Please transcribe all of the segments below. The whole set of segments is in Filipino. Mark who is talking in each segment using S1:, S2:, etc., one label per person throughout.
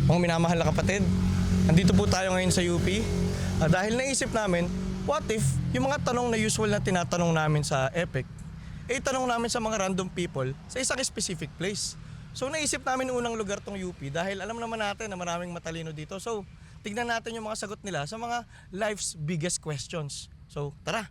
S1: Mga minamahal na kapatid, nandito po tayo ngayon sa UP. Dahil naisip namin, what if yung mga tanong na usual na tinatanong namin sa EPIC, tanong namin sa mga random people sa isang specific place. So naisip namin unang lugar tong UP dahil alam naman natin na maraming matalino dito. So tignan natin yung mga sagot nila sa mga life's biggest questions. So tara!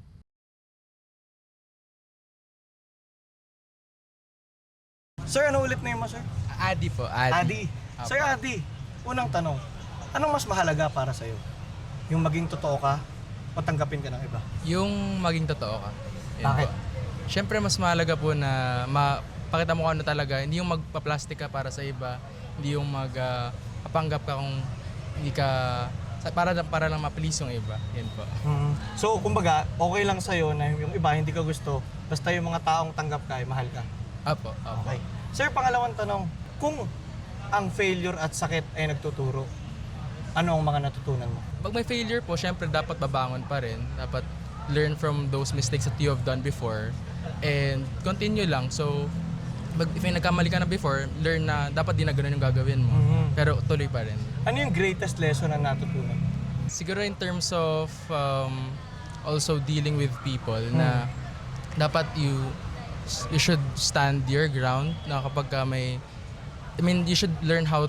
S1: Sir, ano ulit na yun mo, sir?
S2: Adi po,
S1: Adi.
S2: Apo.
S1: Sir Adi, unang tanong, anong mas mahalaga para sa'yo? Yung maging totoo ka o tanggapin ka ng iba?
S2: Yung maging totoo ka. Yun
S1: Bakit?
S2: po. Siyempre mas mahalaga po na mapakita mo kung ano talaga. Hindi yung magpa-plastic ka para sa iba. Hindi yung magpapanggap ka kung hindi ka para lang ma-please yung iba. Yan po.
S1: So, kumbaga, okay lang sa'yo na yung iba hindi ka gusto, basta yung mga taong tanggap ka ay mahal ka.
S2: Apo.
S1: Okay. Sir, pangalawang tanong, kung ang failure at sakit ay nagtuturo, ano ang mga natutunan mo?
S2: Pag may failure po, siyempre dapat babangon pa rin. Dapat learn from those mistakes that you have done before and continue lang. So, if may nagkamali ka na before, learn na dapat di na ganun yung gagawin mo. Pero tuloy pa rin.
S1: Ano yung greatest lesson na natutunan?
S2: Siguro in terms of also dealing with people na dapat you should stand your ground na kapag you should learn how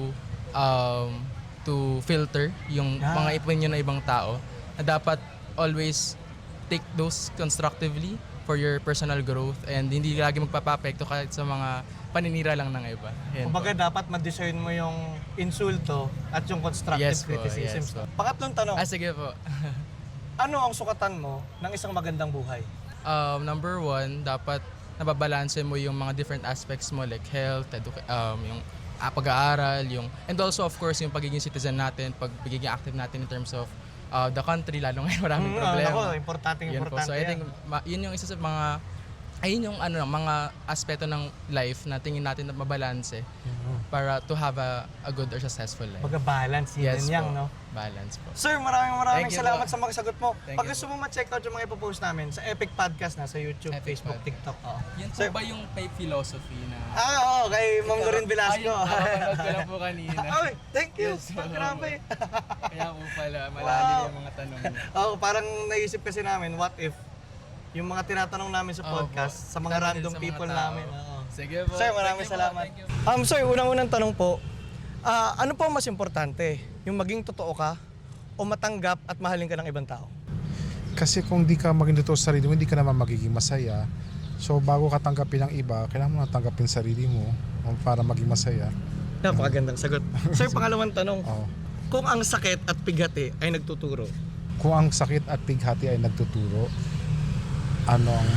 S2: to filter yung mga opinion ng ibang tao na dapat always take those constructively for your personal growth and hindi lagi magpapapekto kahit sa mga paninira lang ng iba. Yan
S1: Kumbaga
S2: po.
S1: dapat ma-discern mo yung insulto at yung constructive
S2: Yes po,
S1: criticism.
S2: yes po.
S1: Pangatlong tanong,
S2: Sige po.
S1: ano ang sukatan mo ng isang magandang buhay?
S2: Number one, dapat nababalanse mo yung mga different aspects mo like health, yung pag-aaral, and also of course yung pagiging citizen natin, pagiging active natin in terms of the country, lalo ngayon maraming problema.
S1: Ako, importante
S2: Yun po. So I think yun yung isa sa yun yung mga aspeto ng life na tingin natin na mabalanse para to have a good or successful life.
S1: Pagka-balance, yun
S2: Yes
S1: yan,
S2: po.
S1: no?
S2: Balance po.
S1: Sir, maraming
S2: Thank you
S1: salamat
S2: po.
S1: sa mga sagot mo.
S2: Thank
S1: Pag
S2: you
S1: gusto mo ma-check out yung mga ipopost namin sa Epic Podcast na sa YouTube,
S2: Epic
S1: Facebook,
S2: Pod.
S1: TikTok.
S2: Yan po
S1: Sir,
S2: ba yung philosophy na...
S1: oo, kay Ma'am Lorin Velasco.
S2: Napapanood ko lang po kanina.
S1: Ay, thank you.
S2: Yes,
S1: Grabe.
S2: Kaya po pala, malalim yung mga tanong niya.
S1: Parang naisip kasi namin, what if yung mga tinatanong namin sa podcast sa mga
S2: Tanong din
S1: random
S2: sa mga
S1: people
S2: tao.
S1: namin.
S2: Sige po.
S1: Sir, maraming
S2: Thank you po,
S1: salamat.
S2: thank you.
S1: Sir, unang-unang tanong po, ano po ang mas importante? Yung maging totoo ka o matanggap at mahalin ka ng ibang tao?
S3: Kasi kung di ka maging totoo sa sarili mo, hindi ka naman magiging masaya. So bago ka tanggapin ng iba, kailangan mo na tanggapin sarili mo para maging masaya.
S1: Napakagandang sagot. Sir, pangalawang tanong,
S3: Oo.
S1: kung ang sakit at pighati ay nagtuturo,
S3: Kung ang sakit at pighati ay nagtuturo, ano ang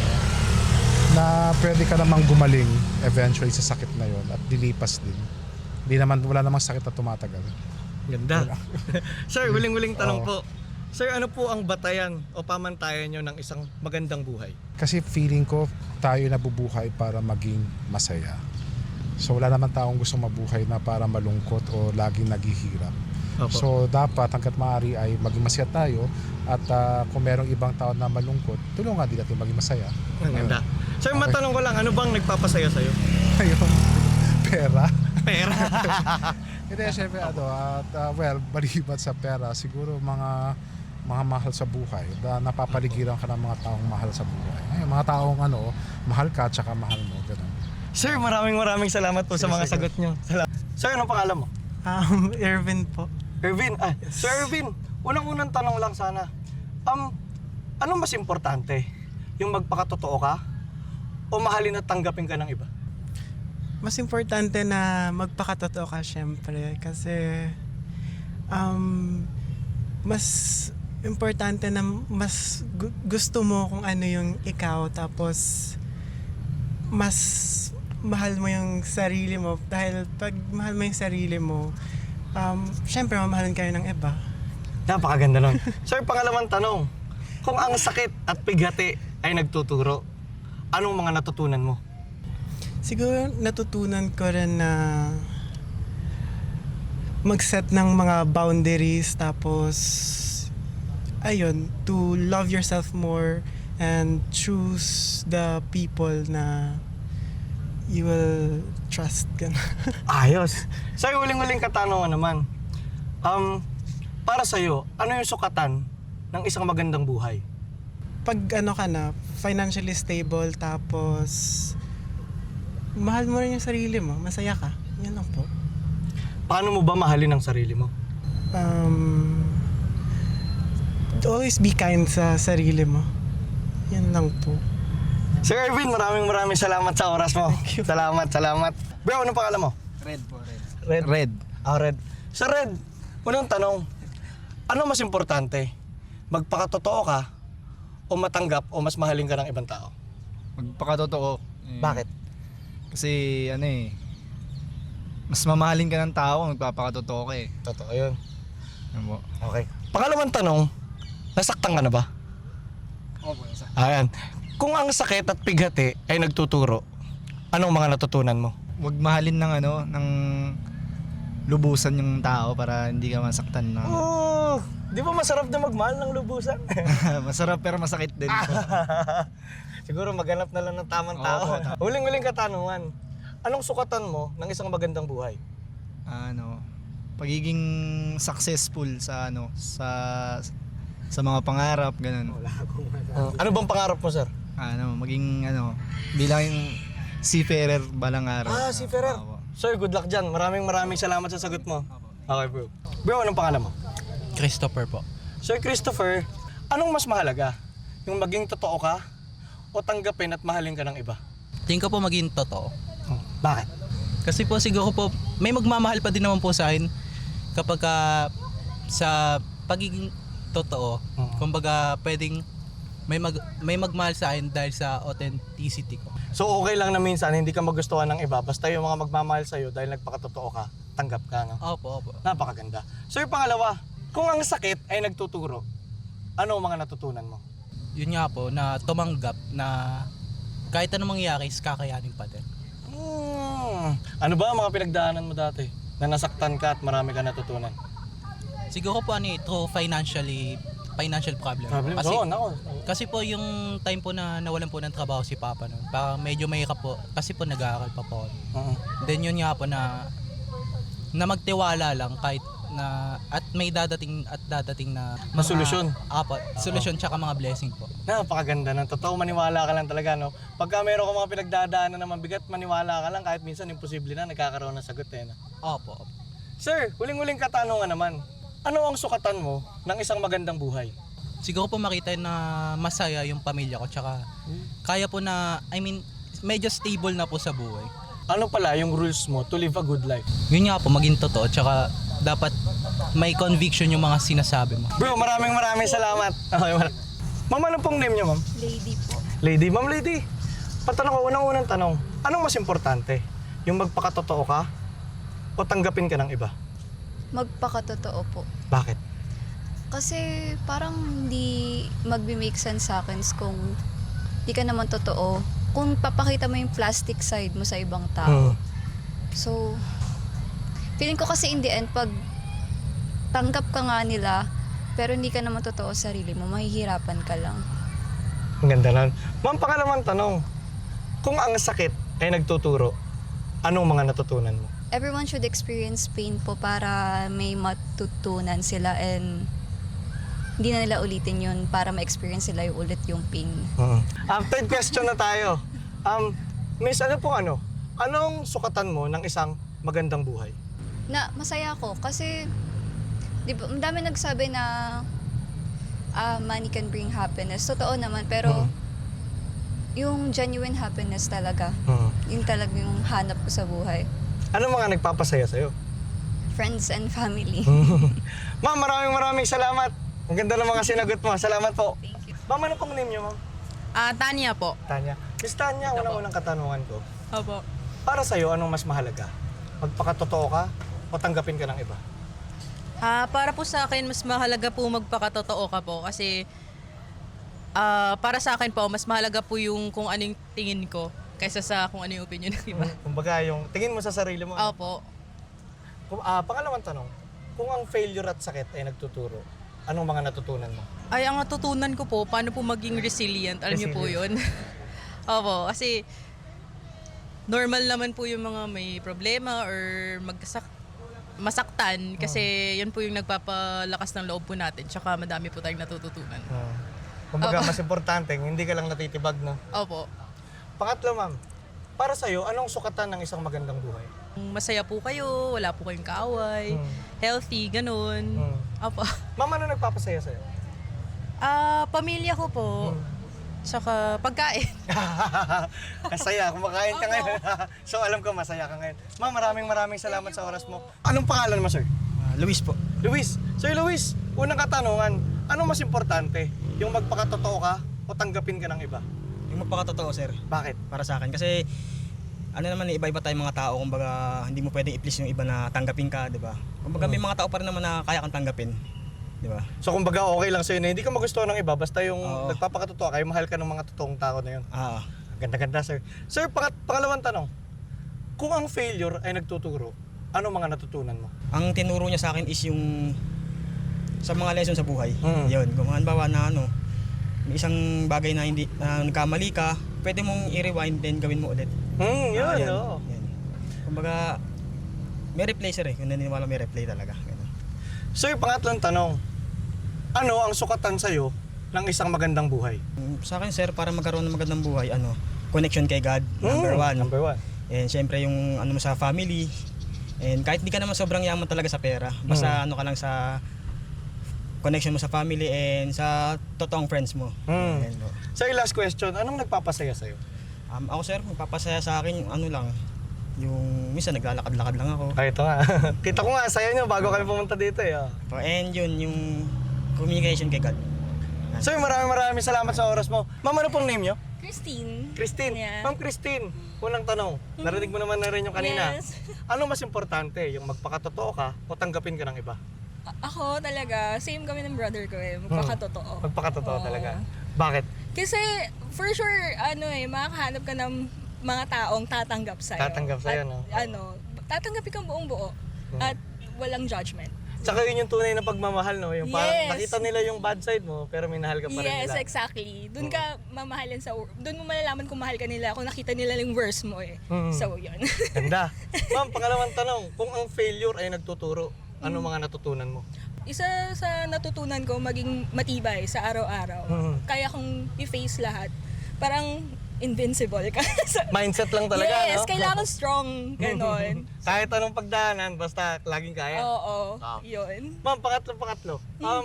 S3: na pwede ka namang gumaling eventually sa sakit na yon at dilipas din. Wala namang sakit na tumatagal.
S1: ganda. Sir, huling-huling tanong
S3: Oo.
S1: po. Sir, ano po ang batayan o pamantayan nyo ng isang magandang buhay?
S3: Kasi feeling ko tayo nabubuhay para maging masaya. So wala naman taong gusto mabuhay na para malungkot o laging naghihirap.
S1: Opo.
S3: So dapat hanggat maaari ay maging masaya tayo at kung merong ibang tao na malungkot, tulungan din natin maging masaya.
S1: Ang ganda. Sir, matanong ko lang, ano bang nagpapasaya sa'yo?
S3: Ayun, pera.
S1: Pera.
S3: Hindi, syempre maliban sa pera, siguro mga mahal sa buhay. Napapaligiran ka ng mga taong mahal sa buhay. Ay, mga taong mahal ka at saka mahal mo. Ganun.
S1: Sir, maraming salamat po sa mga
S3: Sige.
S1: sagot nyo. Sir, anong pangalan mo?
S4: Ervin po.
S1: Ervin. Sir Ervin, unang-unang tanong lang sana. Anong mas importante? Yung magpakatotoo ka o mahalin at tanggapin ka ng iba?
S4: Mas importante na magpakatotoo ka syempre kasi mas importante na mas gusto mo kung ano yung ikaw tapos mas mahal mo yung sarili mo dahil pag mahal mo yung sarili mo syempre mamahalin kayo ng iba.
S1: Napakaganda nun. Sir, pangalawang tanong. Kung ang sakit at pighati ay nagtuturo, anong mga natutunan mo?
S4: Siguro natutunan ko rin na mag-set ng mga boundaries tapos ayun, to love yourself more and choose the people na you will trust ka na.
S1: Ayos. So, yung huling-huling katanungan naman. Para sa'yo, ano yung sukatan ng isang magandang buhay?
S4: Pag ano ka na, financially stable, tapos mahal mo rin yung sarili mo, masaya ka. Yan lang po.
S1: Paano mo ba mahalin ang sarili mo?
S4: Always be kind sa sarili mo. Yan lang po.
S1: Sir Erwin, maraming salamat sa oras mo. Salamat. Bro, anong pangalan mo?
S5: Red po, red.
S1: Red.
S5: Red.
S1: Red. Sir Red, unang tanong, ano mas importante? Magpakatotoo ka o matanggap o mas mahalin ka ng ibang tao?
S5: Magpakatotoo.
S1: Bakit?
S5: Kasi ano mas mamahalin ka ng tao kung magpapakatotoo ka eh.
S1: Totoo yun.
S5: Ano po?
S1: Okay. Pangalawang tanong, nasaktan ka na ba?
S5: Opo, isa.
S1: Ayan. Kung ang sakit at pighati ay nagtuturo, anong mga natutunan mo?
S5: Huwag mahalin ng lubusan yung tao para hindi ka masaktan na.
S1: Oh, di ba masarap na magmahal ng lubusan?
S5: Masarap pero masakit din.
S1: Siguro maghanap na lang ng tamang tao. Huling-huling katanungan, anong sukatan mo ng isang magandang buhay?
S5: Pagiging successful sa sa mga pangarap, ganun.
S1: Ano bang pangarap mo, sir?
S5: Maging bilang seafarer balang araw.
S1: Seafarer.
S5: Opo.
S1: Sir, good luck dyan. Maraming salamat sa sagot mo. Okay, bro. Bro, anong pangalan mo?
S2: Christopher po.
S1: Sir Christopher, anong mas mahalaga? Yung maging totoo ka o tanggapin at mahalin ka ng iba?
S6: Tingin ko po maging totoo.
S1: Bakit?
S6: Kasi po siguro po may magmamahal pa din naman po sa akin kapag sa pagiging totoo. Kumbaga pwedeng may magmahal sa akin dahil sa authenticity ko.
S1: So okay lang na minsan hindi ka magustuhan ng iba basta yung mga magmamahal sa'yo dahil nagpakatotoo ka, tanggap ka, no?
S6: Opo.
S1: Napakaganda. So yung pangalawa, kung ang sakit ay nagtuturo, ano ang mga natutunan mo?
S6: Yun nga po na tumanggap na kahit anong mangyari is kakayanin pa din.
S1: Ano ba ang mga pinagdaanan mo dati na nasaktan ka at marami ka natutunan?
S6: Siguro po through financial problem.
S1: Oo, nako.
S6: Kasi po yung time po na nawalan po ng trabaho si Papa noon, parang medyo mahirap po kasi po nag-aaral pa po. Then yun nga po na magtiwala lang kahit na at may dadating na mga,
S1: solusyon.
S6: Apo, solusyon tsaka mga blessing po.
S1: Napakaganda ng totoo, maniwala ka lang talaga, no? Pagka meron ka mga pinagdadaanan na mabigat, maniwala ka lang kahit minsan imposible na nagkakaroon ng sagot, eh, no?
S6: Opo.
S1: Sir, huling-huling katanungan naman. Ano ang sukatan mo ng isang magandang buhay?
S6: Siguro po makita na masaya yung pamilya ko tsaka kaya po na medyo stable na po sa buhay.
S1: Ano pala yung rules mo to live a good life?
S6: Yun nga po maging totoo tsaka dapat may conviction yung mga sinasabi mo.
S1: Bro, maraming salamat. Okay, ma'am, ano pong name niyo, ma'am?
S7: Lady po.
S1: Lady. Ma'am Lady, patanong ko, unang tanong. Anong mas importante? Yung magpakatotoo ka o tanggapin ka ng iba?
S7: Magpakatotoo po.
S1: Bakit?
S7: Kasi parang hindi magbi-make sense sa akin kung di ka naman totoo. Kung papakita mo yung plastic side mo sa ibang tao. So, feeling ko kasi in the end, pag tanggap ka nga nila, pero hindi ka naman totoo sa sarili mo, mahihirapan ka lang.
S1: Ang ganda nun. Ma'am, pangalawang tanong. Kung ang sakit ay nagtuturo, anong mga natutunan mo?
S7: Everyone should experience pain po para may matutunan sila and hindi na nila ulitin yun para ma-experience sila yung ulit yung pain.
S1: Third question na tayo. Miss, anong sukatan mo ng isang magandang buhay?
S7: Na masaya ako kasi di ba, ang dami nagsabi na money can bring happiness. Totoo naman, pero yung genuine happiness talaga, yun talaga yung hanap ko sa buhay.
S1: Ano mga nagpapasaya sa'yo?
S7: Friends and family.
S1: Ma'am, maraming salamat. Ang ganda ng mga sinagot mo. Salamat po.
S7: Thank you.
S1: Ma'am, ano pong name niyo, ma'am?
S8: Tanya po.
S1: Tanya. Miss Tanya, unang katanungan ko.
S8: Opo.
S1: Para sa'yo, anong mas mahalaga? Magpakatotoo ka o tanggapin ka ng iba?
S8: Para po sa akin, mas mahalaga po magpakatotoo ka po kasi para sa akin po, mas mahalaga po yung kung anong tingin ko kaysa sa kung ano yung opinion ng iba.
S1: Kumbaga, yung tingin mo sa sarili mo.
S8: Opo.
S1: Pangalawang tanong, kung ang failure at sakit ay nagtuturo, anong mga natutunan mo?
S8: Ay, ang natutunan ko po, paano po maging resilient. Alam niyo po yun. Opo, kasi normal naman po yung mga may problema or masaktan kasi yun po yung nagpapalakas ng loob po natin. Tsaka madami po tayong natututunan.
S1: Kumbaga,
S8: Opo.
S1: mas importante, hindi ka lang natitibag, no?
S8: Opo.
S1: Pangatlo, ma'am, para sa'yo, anong sukatan ng isang magandang buhay?
S8: Masaya po kayo, wala po kayong kaaway, healthy, ganun. Opo.
S1: Ma'am, ano nagpapasaya sa'yo?
S8: Pamilya ko po, tsaka pagkain.
S1: Masaya, kumakain ka ngayon. So alam ko masaya ka ngayon. Ma'am, maraming salamat sa oras mo. Anong pangalan mo, sir?
S9: Luis po.
S1: Luis. Sir Luis, unang katanungan, ano mas importante? Yung magpakatotoo ka o tanggapin ka ng iba?
S9: Yung magpakatotoo, sir.
S1: Bakit?
S9: Para sa akin. Kasi, ano naman, iba-iba tayong mga tao. Kumbaga, hindi mo pwedeng i-please yung iba na tanggapin ka, di ba? Kumbaga, may mga tao pa rin naman na kaya kang tanggapin. Di ba?
S1: So kumbaga okay lang sa'yo na hindi ka magustuhan ng iba basta yung
S9: Oo.
S1: nagpapakatotoo kayo, mahal ka ng mga totoong tao na yun.
S9: Ah,
S1: Ganda-ganda, sir. Sir, pangalawang tanong. Kung ang failure ay nagtuturo, ano mga natutunan mo?
S9: ang tinuro niya sa akin is yung sa mga lesson sa buhay.
S1: Mm.
S9: Yun. Kung halimbawa na ano, may isang bagay na hindi na nagkamali ka, pwede mong i-rewind then gawin mo ulit.
S1: Yun,
S9: Ah, yan.
S1: oo.
S9: Yan. Kumbaga, may replay, sir eh. Kung naniniwala may replay talaga. Ganun.
S1: Sir, pangatlong tanong. Ano ang sukatan sa'yo ng isang magandang buhay?
S9: Sa akin, sir, para magkaroon ng magandang buhay, connection kay God, number one.
S1: Number one.
S9: And syempre yung ano mo sa family. And kahit di ka naman sobrang yaman talaga sa pera, basta ano ka lang sa connection mo sa family and sa totoong friends mo. Yan po.
S1: Sir, last question. Anong nagpapasaya sa'yo?
S9: Ako, sir, magpapasaya sa akin yung ano lang, yung minsan naglalakad-lakad lang ako.
S1: Ay, ito nga. Kita ko nga, saya nyo bago kami pumunta dito eh.
S9: And yun, yung communication kay God.
S1: Sir, maraming salamat sa oras mo. Ma'am, ano pong name nyo?
S10: Christine.
S1: Christine.
S10: Yeah.
S1: Ma'am Christine, unang tanong. Narinig mo naman na rin yung kanina.
S10: Yes.
S1: Ano mas importante? Yung magpakatotoo ka o tanggapin ka ng iba?
S10: Ako talaga, same kami ng brother ko eh, magpakatotoo.
S1: Magpakatotoo
S10: Oo.
S1: talaga. Bakit?
S10: Kasi for sure, makakahanap ka ng mga taong tatanggap sa'yo.
S1: Tatanggap sa'yo,
S10: At,
S1: no?
S10: tatanggapin kang buong buo. At walang judgment.
S1: Tsaka yun yung tunay na pagmamahal, no? Yung parang
S10: Yes.
S1: nakita nila yung bad side mo, pero minahal ka pa rin
S10: Yes,
S1: nila.
S10: exactly. Doon ka mamahalin doon mo malalaman kung mahal ka nila, kung nakita nila yung worst mo eh. So, yun.
S1: Ganda. Ma'am, pangalawang tanong. Kung ang failure ay nagtuturo, ano mga natutunan mo?
S10: Isa sa natutunan ko, maging matibay sa araw-araw. Kaya kong i-face lahat. Parang invincible ka.
S1: Mindset lang talaga,
S10: yes,
S1: no?
S10: kailangan strong. Ganon.
S1: Kahit anong pagdaanan, basta laging kaya.
S10: Oo,
S1: Ah.
S10: yun.
S1: Ma'am, pangatlo.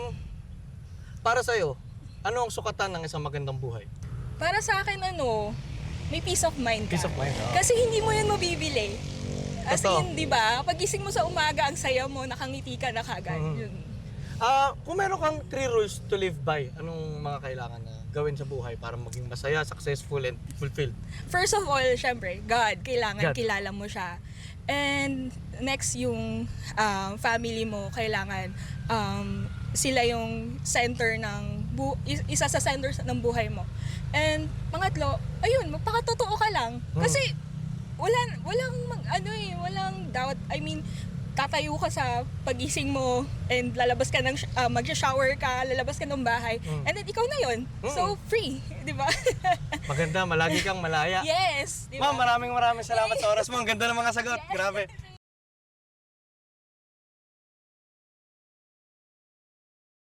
S1: Para sa'yo, ano ang sukatan ng isang magandang buhay?
S10: Para sa akin, may peace of mind ka.
S1: Peace of mind, oo.
S10: Kasi hindi mo yun mabibili. As
S1: Totoo.
S10: in, di ba? Pagising mo sa umaga, ang saya mo, nakangiti ka na kagad. Yun.
S1: Kung meron kang 3 rules to live by, anong mga kailangan na gawin sa buhay para maging masaya, successful, and fulfilled?
S10: First of all, syempre, God. Kailangan
S1: God.
S10: kilala mo siya. And next, yung family mo, kailangan sila yung center ng isa sa center ng buhay mo. And pangatlo, ayun, magpakatotoo ka lang. Kasi walang doubt. I mean, tatayo ka sa pagising mo and lalabas ka ng mag-shower ka, lalabas ka ng bahay. And then ikaw na yun. So free, 'di ba?
S1: Maganda, malagi kang malaya.
S10: Yes, 'di ba?
S1: Ma'am, maraming salamat sa oras mo. Ang ganda ng mga sagot. Grabe.